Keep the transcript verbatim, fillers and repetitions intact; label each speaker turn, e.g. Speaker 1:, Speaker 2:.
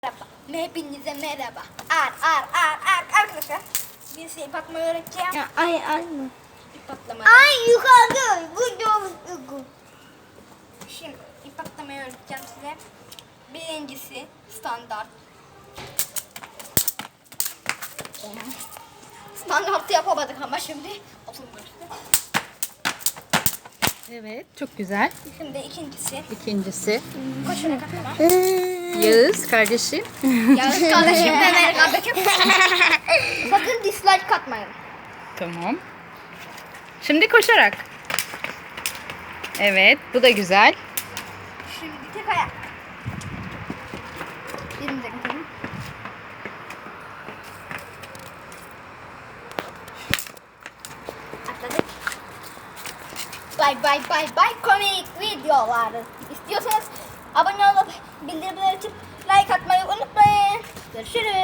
Speaker 1: Merhaba. Hepinize merhaba. Ar ar ar ar arkadaşlar. Bir şey patlamayı öğreteceğim.
Speaker 2: Ya, ay ay.
Speaker 1: İp patlama.
Speaker 2: Ay yukarıda. Bu doğru.
Speaker 1: Şimdi ip patlamayı öğreteceğim size. Birincisi standart. Standartı yapamadık ama şimdi oturmuştu.
Speaker 3: Evet, çok güzel.
Speaker 1: Şimdi ikincisi
Speaker 3: İkincisi
Speaker 1: koşarak atlama.
Speaker 3: Yağız kardeşim.
Speaker 1: Yalnız kardeşim Mehmet kardeşim. Sakın dislike atmayın.
Speaker 3: Tamam. Şimdi koşarak. Evet, bu da güzel.
Speaker 1: Şimdi tek ayak. Birimize gidelim. Atladık. Bye bye bye bye komik videolar. İstiyorsanız abone olup bildirimleri açıp like atmayı unutmayın. Görüşürüz.